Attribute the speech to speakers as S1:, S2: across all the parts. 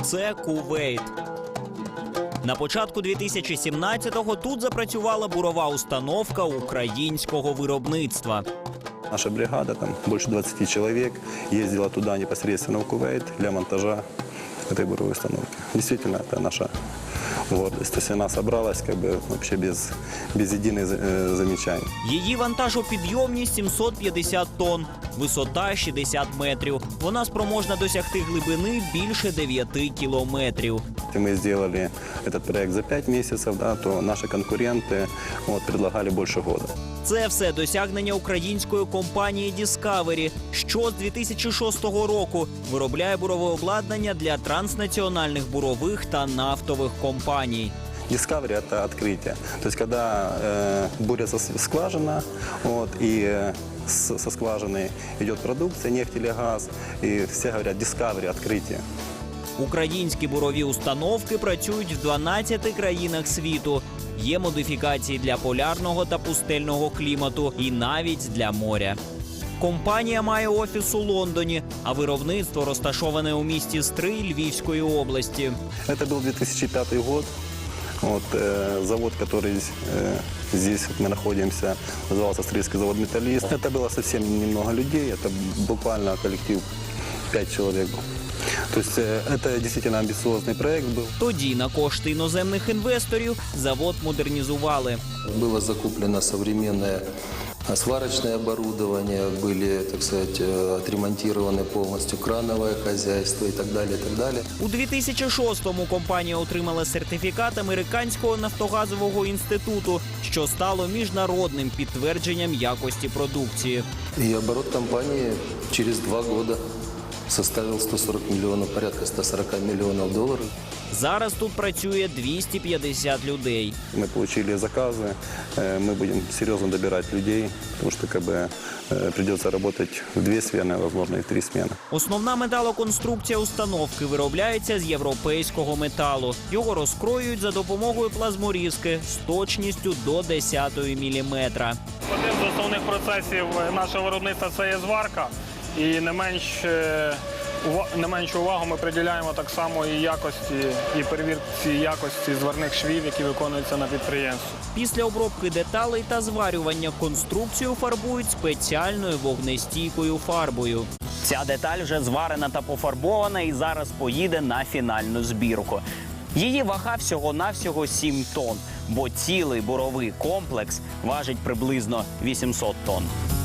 S1: Це Кувейт. На початку 2017-го тут запрацювала бурова установка українського виробництва.
S2: Наша бригада, там больше 20 человек, ездила туда непосредственно в Кувейт для монтажа этой буровой установки. Действительно, это наша гордость. То есть она собралась вообще без единых замечаний.
S1: Її вантажопідйомність 750 тонн, висота 60 метрів. Вона спроможна досягти глибини більше 9 кілометрів.
S2: Мы сделали этот проект за 5 месяцев, да, то наши конкуренты предлагали больше года.
S1: Це все досягнення української компанії Discovery, що з 2006 року виробляє бурове обладнання для транснаціональних бурових та нафтових компаній.
S2: Discovery – это открытие. То есть, когда бурится скважина, и со скважины идет продукция, нефть или газ, и все говорят Discovery – открытие.
S1: Українські бурові установки працюють в 12 країнах світу. Є модифікації для полярного та пустельного клімату і навіть для моря. Компанія має офіс у Лондоні, а виробництво розташоване у місті Стрий Львівської області.
S2: Это был 2005 год. Завод, который здесь мы находимся, назывался Стрийский завод «Металлист». Это было совсем немного людей, это буквально коллектив 5 человек. То есть это действительно амбициозный проект был.
S1: Тоді на кошти іноземних інвесторів завод модернізували.
S3: Было закуплено современное сварочное оборудование, были, так сказать, отремонтированы полностью крановое хозяйство и так далее, и так далее.
S1: У 2006-му компанія отримала сертифікат Американського нафтогазового інституту, що стало міжнародним підтвердженням якості продукції.
S3: И оборот компании через 2 года составил 140 миллионов, порядка 140 миллионов долларов.
S1: Зараз тут працює 250 людей.
S2: Мы получили заказы, мы будем серьезно добирать людей, потому что придется работать в 2 смены, возможно, и в 3 смены.
S1: Основна металоконструкція установки виробляється з європейського металу. Його розкроюють за допомогою плазморізки з точністю до 10-ї міліметра.
S4: Один з основних процесів нашого виробництва – це є зварка. І не меншу увагу ми приділяємо так само і якості, і перевірці якості зварних швів, які виконуються на підприємстві.
S1: Після обробки деталей та зварювання конструкцію фарбують спеціальною вогнестійкою фарбою. Ця деталь вже зварена та пофарбована і зараз поїде на фінальну збірку. Її вага всього-навсього 7 тонн, бо цілий буровий комплекс важить приблизно 800 тонн.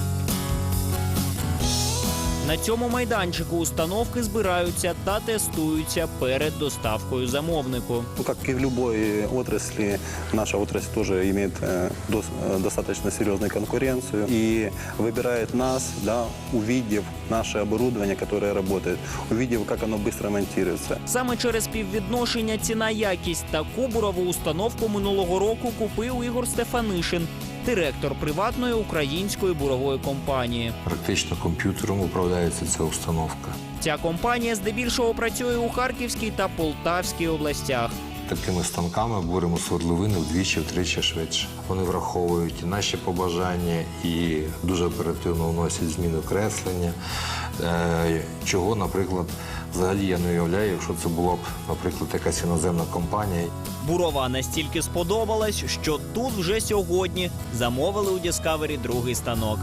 S1: На цьому майданчику установки збираються та тестуються перед доставкою замовнику.
S2: Как и в любой отрасли, наша отрасль тоже имеет достаточно серьезную конкуренцию и выбирает нас, да, увидев наше оборудование, которое работает, увидев, как оно быстро монтируется.
S1: Саме через співвідношення ціна-якість таку бурову установку минулого року купив Ігор Стефанишин, директор приватної української бурової компанії.
S5: Практично комп'ютером управляється ця установка.
S1: Ця компанія здебільшого працює у Харківській та Полтавській областях.
S5: Такими станками буримо свердловини вдвічі-втричі швидше. Вони враховують і наші побажання і дуже оперативно вносять зміни креслення, чого, наприклад, взагалі я не уявляю, якщо це була б, наприклад, якась іноземна компанія.
S1: Бурова настільки сподобалась, що тут вже сьогодні замовили у Discovery другий станок.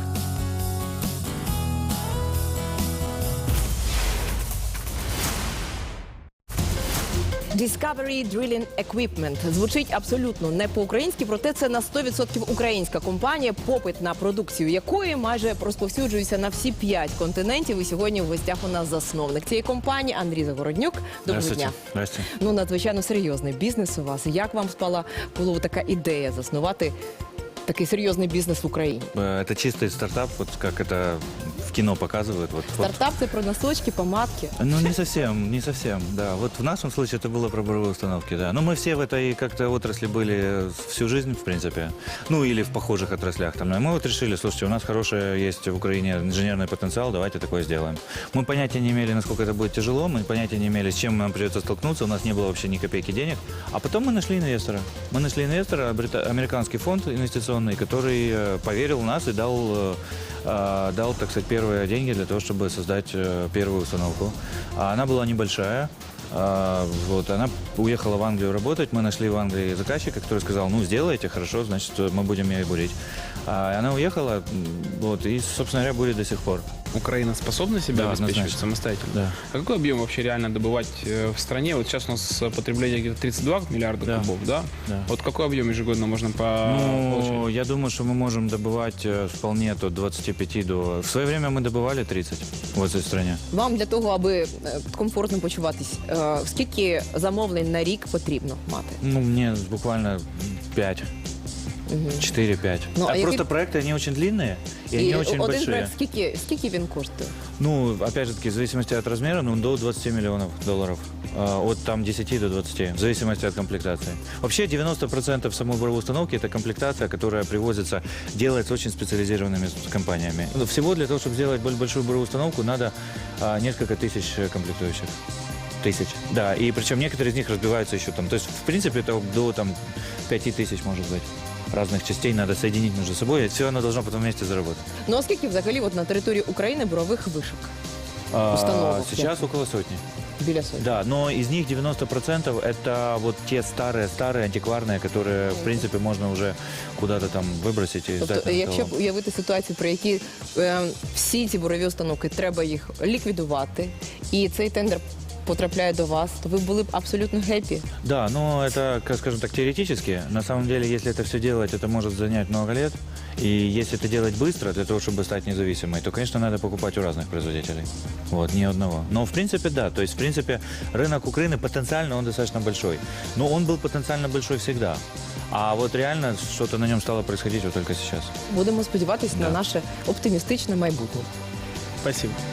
S6: Discovery Drilling Equipment. Звучить абсолютно не по-українськи, проте це на 100% українська компанія, попит на продукцію якої майже розповсюджується на всі 5 континентів. І сьогодні в гостях у нас засновник цієї компанії Андрій Загороднюк. Доброго дня.
S7: Здравствуйте.
S6: Ну, надзвичайно серйозний бізнес у вас. Як вам спала в голову така ідея заснувати такий серйозний бізнес в Україні?
S7: Это чистый стартап, вот как это в кино показывают.
S6: Стартап – це про носочки, помадки.
S7: Ну, не совсем, да. Вот в нашем случае это было про буровые установки, да. Но мы все в этой как-то отрасли были всю жизнь, в принципе. Ну, или в похожих отраслях. Там. И мы вот решили, слушайте, у нас хороший есть в Украине инженерный потенциал, давайте такое сделаем. Мы понятия не имели, насколько это будет тяжело, мы понятия не имели, с чем нам придется столкнуться, у нас не было вообще ни копейки денег. А потом мы нашли инвестора. Мы нашли инвестора, американский фонд инвестиционный, который поверил в нас и дал, так сказать, первые деньги для того, чтобы создать первую установку. Она была небольшая, Вот, она уехала в Англию работать, мы нашли в Англии заказчика, который сказал, ну, сделайте, хорошо, значит, мы будем ее бурить. Она уехала, вот, и, собственно говоря, бурит до сих пор.
S8: Украина способна себя
S7: Да,
S8: обеспечивать
S7: однозначно.
S8: самостоятельно?
S7: Да.
S8: А какой объем вообще реально добывать в стране? Вот сейчас у нас потребление где-то 32 миллиарда
S7: Да.
S8: кубов, да?
S7: Да.
S8: Вот какой объем ежегодно можно
S7: Ну,
S8: получить?
S7: я думаю, что мы можем добывать вполне от 25 до... В свое время мы добывали 30 в этой стране.
S6: Вам для того, аби комфортно почуватись, скільки замовлень на рік потрібно мати?
S7: Ну, мне буквально 5. 4-5.
S6: Ну, а
S7: Просто
S6: який-
S7: проекты, они очень длинные, и они очень
S6: один
S7: большие.
S6: проект, скільки він коштує?
S7: Ну, опять же таки, в зависимости от размера, ну, до 20 миллионов долларов. От там 10 до 20, в зависимости от комплектации. Вообще 90% самой буровой установки – это комплектация, которая привозится, делается очень специализированными компаниями. Всего для того, чтобы сделать большую буровую установку, надо несколько тысяч комплектующих. Тысяч. Да, и причем некоторые из них разбиваются еще там. То есть, в принципе, это до там 5000 может быть. Разных частей надо соединить между собой, и все оно должно потом вместе заработать.
S6: Ну, а скільки взагалі от на території України бурових вишок? Установок.
S7: Сейчас около сотни.
S6: Біля сотні.
S7: Да, но из них 90% это вот те старые антикварные, которые, в принципе, можно уже куда-то там выбросить и сдать
S6: Тобто,
S7: на
S6: якщо б
S7: металлолом.
S6: уявити ситуацію, при якій всі ці бурові установки треба їх ліквідувати, і цей тендер потрапляє до вас, то ви були б абсолютно гепі.
S7: Да, но это, скажем так, теоретически. На самом деле, если это все делать, это может занять много лет. И если это делать быстро, для того, чтобы стать независимой, то, конечно, надо покупать у разных производителей. Вот, не одного. Но, в принципе, да. То есть, в принципе, рынок Украины потенциально, он достаточно большой. Но он был потенциально большой всегда. А вот реально что-то на нем стало происходить вот только сейчас.
S6: Будемо сподіватися на
S7: Да.
S6: наше оптимістичне майбутнє.
S8: Спасибо.